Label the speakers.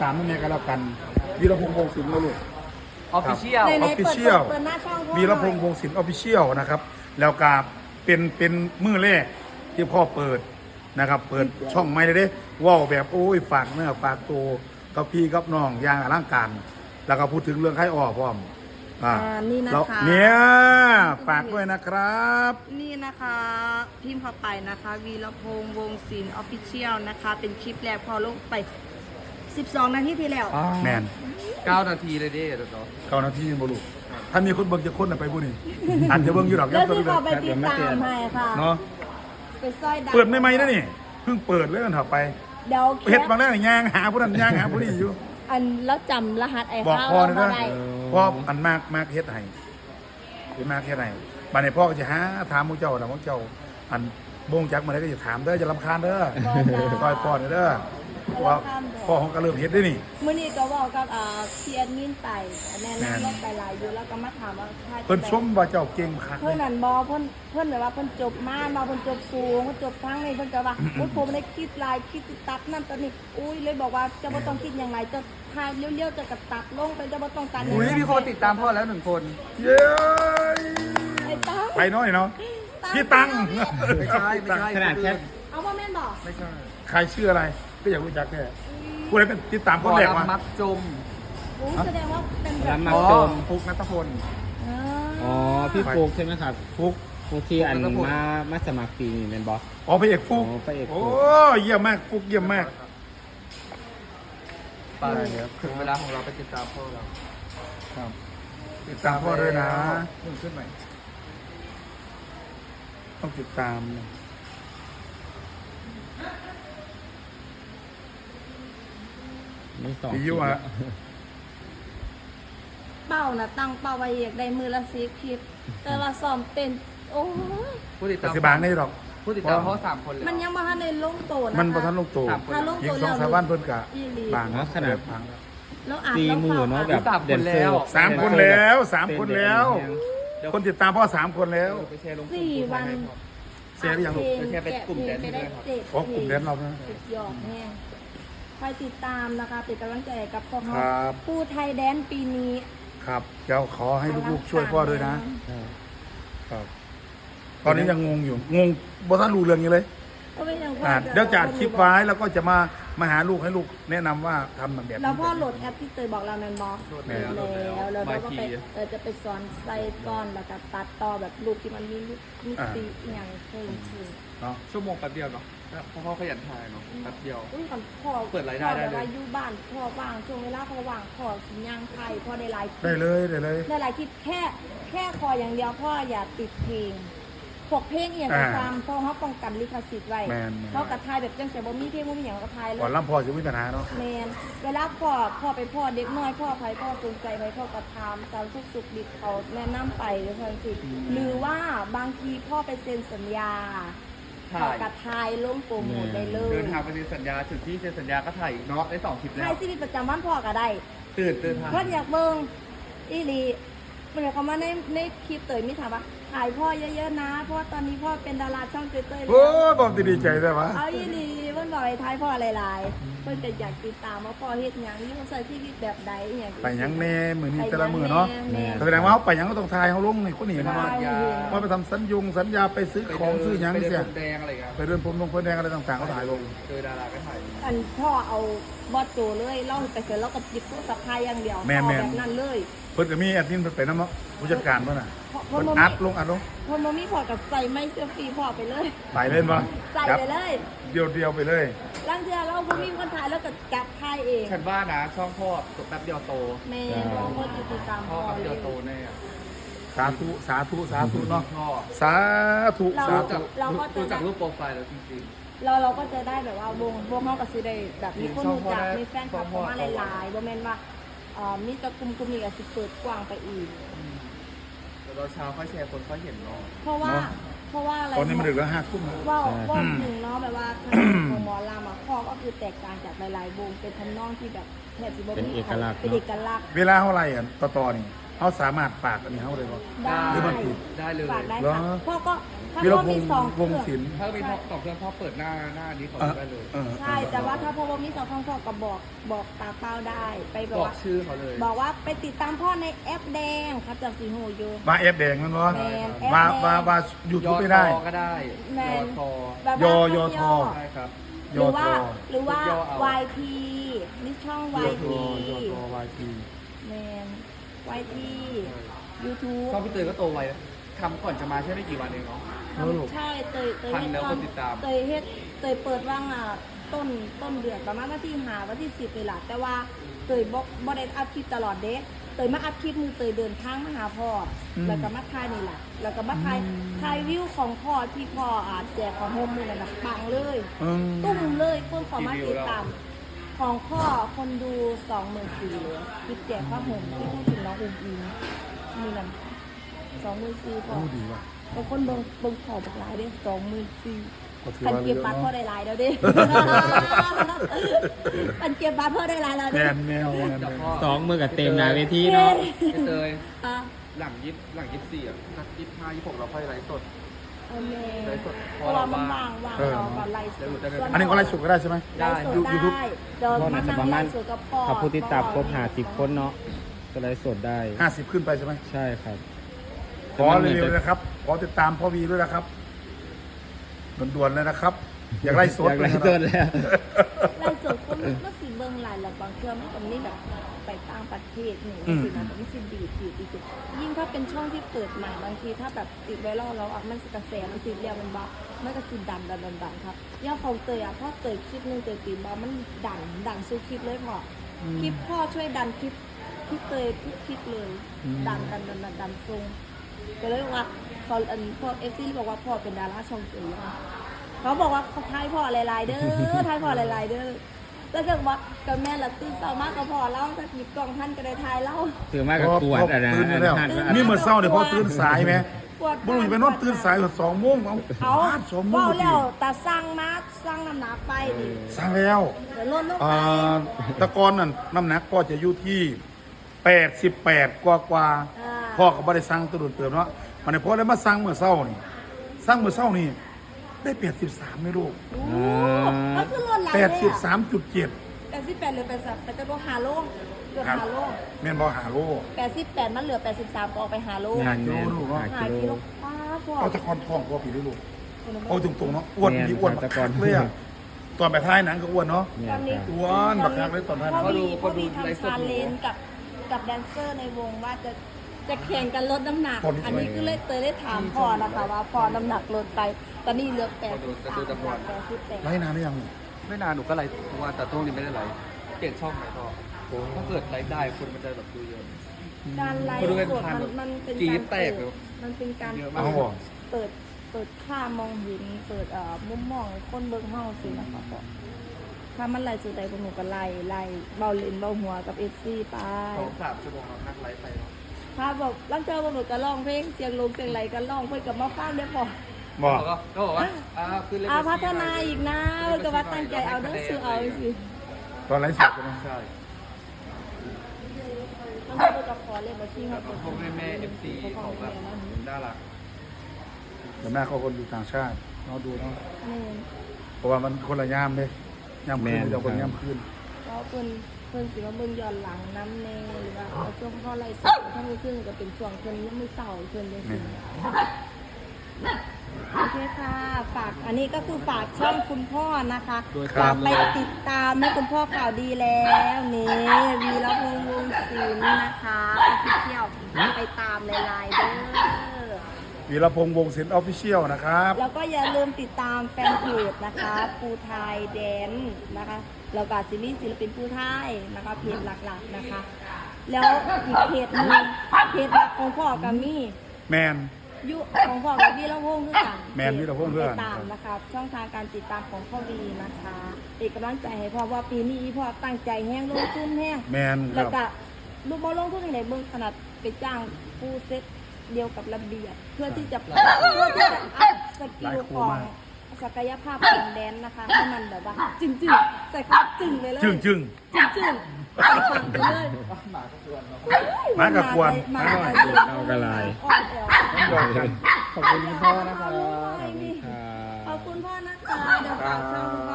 Speaker 1: ตามนั่นเองก็แล้วกันวีรพงษ์วงศิลป์นะลูก
Speaker 2: ออฟฟิเชียล
Speaker 1: ออฟฟิเชียล
Speaker 3: เปิดหน้าช่องพ่อ
Speaker 1: วีรพงษ์วงศิลป์ออฟฟิเชียลนะครับแล้วก็เป็นมือแรกที่พ่อเปิดนะครับเปิดช่องใหม่เลยเด้ว้าวแบบโอ้ยฝากเนื้อฝากตัวกับพี่กับน้องอย่างอลังการแล้วก็พูดถึงเรื่องไข้อ้อพร้อม
Speaker 3: นี่นะ
Speaker 1: แล้ว
Speaker 3: คะ
Speaker 1: เนี่ยฝากด้วยนะครับ
Speaker 3: นี่นะคะพิมพ์เข้าไปนะคะวีรพงษ์วงศิลป์ออฟฟิเชียลนะคะเป็นคลิปแรกพอลงไป12 นาทีที่แล้ว
Speaker 1: แมน
Speaker 2: 9 นาทีเลยดิเดี๋ยว
Speaker 1: เก้านาทีบ่ลูกถ้ามีคนเบิ่งจะคนน่ะไปผู้นี่อาจจะเบิ่งอยู่ดอก
Speaker 3: แล้ว
Speaker 1: ตัว
Speaker 3: ที่
Speaker 1: เดีย
Speaker 3: เขา
Speaker 1: ว
Speaker 3: ไปติดตามให้ค่ะ
Speaker 1: เนาะ
Speaker 3: ไปซอยดัง
Speaker 1: เปิดไม่ไหมนะนี่เพิ่งเปิดเลยกันเถอะไป
Speaker 3: เดี๋ยว
Speaker 1: เฮ็ดบางแรกย่างหาผู้นั้นย่างหาผู้นี้อยู่
Speaker 3: อันแล้วจำรหัสไอ้
Speaker 1: บอก
Speaker 3: ข้าว
Speaker 1: พ่อ
Speaker 3: เรา
Speaker 1: เลย
Speaker 3: บ่
Speaker 1: นะ
Speaker 3: ได้
Speaker 1: พ่ออันมากเฮ็ดให้เฮ็ดมากเฮ็ดให้บัดนี้พ่อก็จะหาถามพวกเจ้าแล้วพวกเจ้าอันบ่งจักมาได้ก็จะถามเด้อจะรำคาญเด้อซอยพ่อเด้อว่าพ่อของก็เริ่มเฮ็ดได้นี่
Speaker 3: มื้อนี้ก็เว้ากับเซียนมินไปแนะนำรถไปหลายอยู่แล้วก็มาถามว่าค่า
Speaker 1: เพิ่นชมว่าเจ้าเก่งคัก
Speaker 3: เพิ่นนั่นบ่เพิ่นแบบว่าเพิ่นจบมาเพิ่นจบสูงเพิ่นจบทั้งนี้เพิ่นก็ว่าอุ้ยผมได้คิดหลายคิดตัดนั่นตอนนี้อุ้ยเลยบอกว่าจะบ่ต้องคิดอย่างไรจะทายเลี้ยวๆจะกระตัดลงไปจะบ่ต้องตัด
Speaker 2: อุ้ยมีคนติดตามพ่อแล้ว1 คน
Speaker 1: เย้
Speaker 3: ไอ้ตั้ง
Speaker 1: ไปน้อยเนาะพี่ตัง
Speaker 2: ไม่ใช่ขนาดแค่
Speaker 3: เอาบ่แม่นบ่
Speaker 2: ไม่ใช่
Speaker 1: ใครชื่ออะไรก็อยากรู้จักแค่ผู้ใดเป็นติดตามค
Speaker 2: พ่อน
Speaker 1: แรกมา
Speaker 2: มักจม
Speaker 3: โอ้แสดงว่าเป็นแบบ
Speaker 4: มั
Speaker 2: อ๋
Speaker 4: ก
Speaker 2: อ
Speaker 4: จม
Speaker 2: ฟุกนัทพล
Speaker 4: อ๋อพี่ฟุกใช่ไหมครับ
Speaker 1: ฟุก
Speaker 4: ฟุกที่อันมาสมัครปีนี่เป็นบอส
Speaker 1: อ๋อพระเอกฟุก
Speaker 4: อ๋อพระเอกฟุ
Speaker 1: โอ้
Speaker 4: ก
Speaker 1: เยี่ยมมากฟุกเยี่ยมมาก
Speaker 2: ไปถึงเวลาของเราไปติดตามพ่อเรา
Speaker 1: ครับติดตามพ่อด้วยนะ
Speaker 2: ขึ้นใหม่
Speaker 1: ต้องติดตาม
Speaker 4: ไม่สอง
Speaker 1: พี่ยุอ่ะ
Speaker 3: เป้าน่ะตั้งเป้าไว้อยากได้มือละ10คลิปแต่ว่าซ้อมเต้นโอ้ย
Speaker 2: ผู้ติด
Speaker 1: ปั
Speaker 2: ตา
Speaker 1: จ
Speaker 2: ม
Speaker 1: จุบันนี่หรอก
Speaker 2: ผู้ติดตามพ่อ3 คนเลย
Speaker 3: มันยังบ่ทันได้ลงโตนะคะ
Speaker 1: มันประทันลงตัว
Speaker 3: ถ้าลง
Speaker 1: ยิ
Speaker 3: โต
Speaker 1: งส
Speaker 3: แล้
Speaker 1: อง
Speaker 3: ว
Speaker 1: สามวันเพิ่นกะ
Speaker 3: อีหลี
Speaker 1: บาง
Speaker 4: ขนาด
Speaker 1: บาง
Speaker 3: แล้วอ่าน
Speaker 4: ตี
Speaker 3: แล้ว
Speaker 4: มือ
Speaker 3: ฟัง
Speaker 4: เนาะ
Speaker 3: อ่ะ
Speaker 4: แบบ
Speaker 2: 3 คนแล้ว
Speaker 1: 3 คนแล้ว3 คนแล้ว คนติดตามพ่อ3 คนแล้ว
Speaker 2: ไปแชร์ลง
Speaker 3: 4 วัน
Speaker 1: เสียหรือยังลูก
Speaker 2: แชร์ไปกลุ่มแดนซ์
Speaker 3: ไป
Speaker 2: ด้
Speaker 3: ได้
Speaker 2: วยครับ
Speaker 3: 7
Speaker 1: อ๋อกลุ่มแดนซ์เรานะ
Speaker 3: สุดยอดแน่คอยติดตามนะคะเป็นกำลังใจกับพวกเขา
Speaker 1: ครับ
Speaker 3: ผู้ไทยแดนซ์ปีนี้
Speaker 1: ครับเดี๋ยวขอให้ลูกๆช่วยพ่อด้วยนะ ครับ ตอนนี้ยังงงอยู่ งงบ่ทันรู้เรื่องอยู่เลย
Speaker 3: ก็ไม่ยังพอ
Speaker 1: เดี๋ยวจะอัดคลิปไว้แล้วก็จะมาหาลูกให้ลูกแนะนำว่าทำแบบนี้
Speaker 3: แล้วพ่อโหลดแอปที่เตยบอกเราแมนบอ
Speaker 2: โหลด
Speaker 3: แล้
Speaker 2: แล้ว
Speaker 3: แล้วเราก็ไปจะไปสอนใส่ก้อนแล้วก็ตัดต่อแบบลูกที่มันมีมิติอย่างเพิ่มขึ้น
Speaker 1: เนาะ
Speaker 2: ชั่วโมงแป๊บเดียวเนาะเพราะพ่อขยันถ่ายเนาะแป๊บเดียว
Speaker 3: อุ้ยก่อนพ่อ
Speaker 2: เปิดรายได้ได้เลย
Speaker 3: พ่อแบบว่าอยู่บ้านพ่อว่างช่วงเวลาพ่อว่างพ่อสิย่างไทยพ่อได้หลายคลิป
Speaker 1: ได้เลยได้เลย
Speaker 3: ได้หลายคลิปแค่คออย่างเดียวพ่ออย่าติดเพลงพวกเพลงอย่างกระซำเพราะเขาป้องกันลิขสิทธิ์ไว้
Speaker 1: แมน
Speaker 3: เขากระทายแบบจังแต่บ่มีเพลงบ่มีอย่างกระทายเล
Speaker 1: ก่อน
Speaker 3: ย
Speaker 1: ล่ำพ่อจะมีปัญหาเนาะ
Speaker 3: แมนเวลาพ่อไปพ่อเด็กน้อยพ่อใครพ่อสนใจไปพ่อกระทำตามสุกดิบเขาแนะนำไปหรือคนสิหรือว่าบางทีพ่อไปเซ็นสัญญา
Speaker 2: ถ่าย
Speaker 3: เขากระทายลงโปรโมทได้เลย
Speaker 2: เดินทางไปเซ็นสัญญาถึงที่เซ็นสัญญาก็ถ่ายอีกเนาะได้2 คลิปแล้
Speaker 3: ทายว ชีวิตประจำวันพ่อก็ได้
Speaker 2: ตื่นทาง
Speaker 3: เพื่อนอยากเบิ่งอีหลีมันหมายความว่าในคลิปเตยมีถามว่าถ่ายพ่อเยอะๆนะ เพราะว่าตอนนี้พ่อเป็นดาราช่องเตยๆแล้
Speaker 1: โอ้
Speaker 3: ว
Speaker 1: บอกดีใจได้ปะ
Speaker 3: เอาอีหลีเพิ่นบอกให้ถ่ายพ่อหลายๆเพิ่นจะอยากติดตามว่าพ่อเฮ็ดหยังอยู่ใส่ชีวิตแบบใดอหย่าง
Speaker 1: ไปหยังแน่มือนี้แต่ละมือเนาะ
Speaker 3: แม่
Speaker 1: แสดงว่าเขาไปหยังก็ต้องทายเขาลงนี่คนนี้มา
Speaker 3: ถ่ายเห็น
Speaker 1: ว่าไปทำสัญญาไปซื้อของซื้อหยัง
Speaker 2: ไปเดิ
Speaker 1: เสีย
Speaker 2: นพรมแดงอะไรกัน
Speaker 1: ไปเดินพรมแดงอะไรต่างๆเขาถ่ายลง
Speaker 2: เจอดาราก็ถ่าย
Speaker 3: อันพ่อเอาบอสโจเลยเล่าไปเสร็จแล้วก็หยิบโทรศัพท์ถ่ายอย่างเดียว
Speaker 1: แม่น
Speaker 3: พ่อ
Speaker 1: แม่น
Speaker 3: แบบนั้นเลย
Speaker 1: เพิ่นก็มีแอดมินเพิ่นไปนำเนาะผู้จัดการเพิ่นน่ะ
Speaker 3: พ่อ
Speaker 1: เพิ่น
Speaker 3: บ่
Speaker 1: อั
Speaker 3: มี
Speaker 1: ดลง
Speaker 3: พ่อบ่มีพ่อกับใส่ไม่เสื้อฟรีพ่อไปเลย
Speaker 1: ไปเล่นบ่
Speaker 3: ใส่
Speaker 1: จับ
Speaker 3: ไปเลย
Speaker 1: เดียวไปเลย
Speaker 3: ลังเทือเราบ่มีคนถ่ายแล้วก็จับถ่ายเอง
Speaker 2: ฉันว่านะช่องพ่อแป๊บเดียวโต
Speaker 3: แม่น้องก็ติดตาม
Speaker 2: พ่อ
Speaker 3: พ่อ
Speaker 2: แป๊บ
Speaker 3: เล
Speaker 2: เดียวย โตแน่
Speaker 1: สาธุเนาะ
Speaker 2: พ่อ
Speaker 1: สาธุ
Speaker 3: เรา
Speaker 1: สา
Speaker 2: รู้จั
Speaker 1: ธุ
Speaker 2: ก
Speaker 3: เราก็จะ
Speaker 2: รู้จักรูปโปรไฟล์แล้วจริง
Speaker 3: เราก็จะได้แบบว่าวงเขาก็สิได้แบบมีคนรู้จักมีแฟนคลับเข้ามาหลายๆบ่แม่นว่ามีแตะกลุ่มนี้ก็สิเปิดกว้างไปอีก
Speaker 2: ๆแต่ตอนเช้าค่อยแชร์คนค่อยเห็นเนาะ
Speaker 3: เพราะว่าอะไร
Speaker 1: ตอนนี้มันดึกแล้ว5 ทุ่ม
Speaker 3: ว่าถึงเนาะแบบว่าของหมอลำอ่ะพ่อก็คือแตกต่างจากหลายๆวงเป็นทำนองที่แบบแทบจะบ่มี
Speaker 4: เป็นเอกลักษณ์
Speaker 3: เป็นเอกลักษณ์
Speaker 1: เวลาเท่าไหร่อ่ะต่อนี่เขาสามารถฝากอันนี้เขาเลยบ่
Speaker 3: ได้
Speaker 1: หรือมันผิด
Speaker 2: ได้เลย
Speaker 3: ฝากได้
Speaker 1: เหรอ
Speaker 3: ค่ะพ่อก็ถ้า
Speaker 1: วีร
Speaker 3: พ่อ
Speaker 1: พ
Speaker 3: มี
Speaker 1: งษ์
Speaker 3: สอง
Speaker 1: วง
Speaker 3: เครื่อง
Speaker 1: ศิลป์
Speaker 2: ถ้ามีพ่อสองเครื่องพ่อเปิดหน้านี้เขาได้เลย
Speaker 3: ใช่แต่ว่าถ้าพ่อมีสองเครื่องพ่อก็บอกตาเป้าได้ไปแบบ
Speaker 2: บอก
Speaker 3: ว่า
Speaker 2: ชื่อเขาเลย
Speaker 3: บอกว่าไปติดตามพ่อในแอปแดงครับจากสีโหโย
Speaker 1: มาเอฟแดงนั่นวะ
Speaker 3: แมนแอป
Speaker 1: มา
Speaker 3: แดง
Speaker 1: มายู
Speaker 2: ย
Speaker 1: ทูบ
Speaker 2: อ
Speaker 1: ไม่
Speaker 2: ท
Speaker 1: ได้
Speaker 2: อก็ได้
Speaker 3: แม
Speaker 2: ยอน ทอ
Speaker 3: แบบ
Speaker 1: ย
Speaker 3: ว่า
Speaker 1: อยอทอ
Speaker 2: ใช่ครับ
Speaker 3: หรือว่า
Speaker 1: ยอทอ
Speaker 3: หรือว่า
Speaker 2: ยอเอา
Speaker 3: YT นี่ช่อง
Speaker 1: ยอ
Speaker 3: YT
Speaker 1: ทอยอทอวายที
Speaker 3: แมน YT YouTube
Speaker 2: ช่องพี่เตยก็โตไวทำก่อนจะมาแค่ไม่กี่วันเองเนาะ
Speaker 3: ใช่เตย
Speaker 2: พันแล้วคนติดตาม
Speaker 3: เตยเปิดว่างต้นเดือนประมาณวันที่5วันที่10เลยล่ะแต่ว่าเตยบ่ได้อัพคลิปตลอดเด้เตยมาอัพคลิปมือเตยเดินทางมาหาพ่ออแล้วก็มาถ่ายนี่แหละแล้วก็มาถ่ายวิวของพ่อที่พ่อแจกของโฮมนี่แหละนะปังเลย ตุ้มเลยเพิ่มความมาติดตามของพ่อคนดู24,000เลยคลิปแจกผ้าห่มที่พูดถึงน้องอุ้มอิงมีนั่น24,000พอ
Speaker 1: รู้ดีว่ะ
Speaker 3: แต่คนเบิ่งขอบักหลายเด้24,000
Speaker 1: ก็ถือ
Speaker 3: ปัน
Speaker 1: ว่า
Speaker 3: เก็บบัตรพ่อได้หลายแล้วเด้ ปันเก็บบัตรพ่อได้หลายแล้ว
Speaker 1: แม
Speaker 3: เด้
Speaker 1: นแมวแมน
Speaker 2: แต่
Speaker 1: แม
Speaker 2: พ่อ
Speaker 1: ว
Speaker 4: สองมือกับเต็มหนาเวทีเนาะ
Speaker 2: พี่เตย
Speaker 3: อ่ะ
Speaker 2: หลัง24อ่ะสัก25 26เราค่อยไลฟ์สด
Speaker 3: โอเค
Speaker 2: ไลฟ์สด
Speaker 3: เพราะว่ามันวางเราก่อนไลฟ์สด
Speaker 1: อันนี้ก็ไลฟ์สดก็ได้ใช่ไหม
Speaker 3: ไลฟ์สดได้เดินมานั่งไลฟ์สดกับพ่อ
Speaker 4: ถ้าผู้ติดตามครบ50 คนเนาะก็ไลฟ์สดได้
Speaker 1: 50 ขึ้นไปใช่ไหม
Speaker 4: ใช่ครับ
Speaker 1: ขอเร็วๆเลยนะครับ ขอติดตามพ่อวีด้วยนะครับด่วนๆเลยนะครับ อยากไล่สด
Speaker 4: อยากไลฟ์สดแล้ว
Speaker 3: ไลฟ์สดคนมันก็สิเบิ่งหลายแล้วบางเทื่อมันก็มีแบบไปต่างประเทศหนึ่งสินะแต่ไม่สิดีดอีกยิ่งถ้าเป็นช่องที่เปิดใหม่บางทีถ้าแบบติดไวรัลแล้วมันกระแสมันติดเรียวมันบ้ามันก็สิดันครับย่าของเตยเพราะเตยคลิปนึงเตยตีบ้ามันดันสู้คลิปเลยพอคลิปพ่อช่วยดันคลิปเตยทุกคลิปเลยดันทรงก็เลยว่าพอเอฟซีบอกว่าพ่อเป็นดาราช่องเตยเขาบอกว่าเขาทายพ่อหลายๆเด้อทายพ่อหลายๆเด้อแล้วก็บอกกับแม่ละตื่นเช้ามากก็พอเล่าถ้าหยิบกล่องท่านก็ได้ทายเล่า
Speaker 4: ถือมากกับกวดอะไร
Speaker 1: ตื่นแล้ว นี่เมื่อเช้าเนี่ยพ่อตื่นสายไหมบุรุษไปนอนตื่นสายถึง2 โมงเอา 2 โมง
Speaker 3: เว้า
Speaker 1: พอดี
Speaker 3: แล้วแต่สั่งน้ำหนักไปดิ
Speaker 1: สั่งแล้ว
Speaker 3: แต่ลดลงไป
Speaker 1: ตะกอนนั่นน้ำหนักก็จะอยู่ที่88กว่าพ่อก็บ่ได้สั่งตัวโดนเติมเนาะมันพ่อเลยมาสั่งเมื่อเช้านี่สั่งเมื่อเช้านี่ได้83ไม่รู้
Speaker 3: โอ้ก็คือลดหลังเลย
Speaker 1: 83.7
Speaker 3: 88หรือ83แต่จะลด5 โลเกือบ5 โล
Speaker 1: แม่นบ่หาโล
Speaker 3: 88มันเหลือ83ก็ออกไป5 โล
Speaker 1: หากิโลลูกเนาะ
Speaker 3: 5 กิโลป้าพ่อ
Speaker 1: เอาตะกอนทองพ่อผีได้ลูกเอาตรงๆเนาะอ้วนมีอ้วนบักคักเลยอะตอนไปท้ายหนังก็อ้วนเนาะ
Speaker 3: ตอนนี้
Speaker 1: อ้วนบักคักเลยตอนท้ายหนัง
Speaker 3: พ่อบีทำชาเลนจ์กับแดนเซอร์ในวงว่าจะแข่งกันลดน้ำหนัก อันนี้คือเลยเตยได้ถามพ่อนะคะว่าพอน้ำหนักลดไป ตอนนี้เหลือ88
Speaker 1: ไล่นานหรือยัง
Speaker 2: ไม่นานหนูก็ไลฟ์ทุกวันแต่ตรงนี้ไม่ได้ไลฟ์เปลี่ยนช่องไหมพ่อถ้าเกิดไลฟ์ได้คนมันจะแบบดูเยอะ
Speaker 3: การไลฟ์สดมันเป็น
Speaker 2: กรี๊
Speaker 3: การ
Speaker 2: ดแตกเลย
Speaker 3: มันเป็นการ
Speaker 2: เยอะ
Speaker 1: เอา
Speaker 2: มาก
Speaker 1: บ่
Speaker 3: เปิดค่ามองเห็นเปิดมุมมองคนเบิ่งเฮาสินะคะพ่อถ้ามันไล่สุดใดพวกหนูก็ไล่เบาเลนเบาหัวกับ FC ไป
Speaker 2: 2-3 ชั่วโมงเรานั่งไลฟ์ไปเนาะ
Speaker 3: ถ้าบอกลังเจอพวกหนูก็ร้องเพลงเสียงลงเสียงไหลก็ร้องเพื่อกับมาฟังได้พอ
Speaker 1: บ่
Speaker 2: ก็บอกว่าขึ้นเลข
Speaker 3: พัฒนาอีกนะเพื่อกับว่าตั้งใจเอาเด้อซื้อเอาสิ
Speaker 1: ตอนไลฟ์สดใช่ไหม
Speaker 2: ใช่
Speaker 3: ต้องเพื่อกับขอเลยบ่ที่
Speaker 2: แล้
Speaker 3: เฮาว
Speaker 2: ก็พวกแม่ FC เขาแบบน่ารัก
Speaker 1: แต่แม่เขาคนอยู่ต่างชาติเราดูเนาะ
Speaker 3: นี่
Speaker 1: เพราะว่ามันคนละยามเลยยามคืนเดียวคนยามคืน
Speaker 3: ก็เพิ่นสิว่าเบิ่งย้อนหลังน้ำแน่หรือว่าเอาช่วงพ่อไล่สดถ้ามือขึ้นก็เป็นช่วงเพิ่นยังมือเศร้าเพิ่นจังซี่โอเคค่ะฝากอันนี้ก็คือฝากช่องคุณพ่อนะคะฝากไปติดตามให้คุณพ่อข่าวดีแล้วนี่วีรพงษ์วงศ์ศิลป์นะคะออฟฟิเชียลไปตามในไลน์เด้อ
Speaker 1: วีรพงษ์วงศิลป์ออฟฟิเชียลนะครับ
Speaker 3: แล้วก็อย่าลืมติดตามแฟนเพจนะคะภูไทยแดนนะคะแล้วก็ซีรีส์ศิลปินภูไทยนะคะเพจหลักๆนะคะ แล้วอีกเพจหนึงเพจหลักของพ่อกับมี่
Speaker 1: แมน
Speaker 3: ยุของพ่อกับวีรพงษ์คือกัน
Speaker 1: แมนวีรพงษ์คือกัน
Speaker 3: ติดตามนะคะช่องทางการติดตามของพ่อวีนะคะเป็นกำลังใจให้พ่อว่าปีนี้พ่อตั้งใจแห้งลงทุนแห้ง
Speaker 1: แมนค
Speaker 3: แล้ว
Speaker 1: รับ
Speaker 3: ก็ลูกบอลลงทุนอย่างไรเบื้องขนาดไปจ้างผู้เซตเดียวกับระเบียบเพื่อที่จะอัพสกิลของศักยภาพของแดนนะคะให้มันแบบว่าจึงใส่คำว่าจึงไปเลย
Speaker 1: จึง
Speaker 3: จึงฟังไปเลย
Speaker 1: มากับกวน
Speaker 3: มา
Speaker 1: มาหน่อย
Speaker 4: เอากระไร
Speaker 3: อ่อนแอว
Speaker 4: ขอบคุณคุณพ่อนะครับ
Speaker 3: ขอบคุณพ่อนะคะเดี๋ยวฝากช่องคุณพ่อ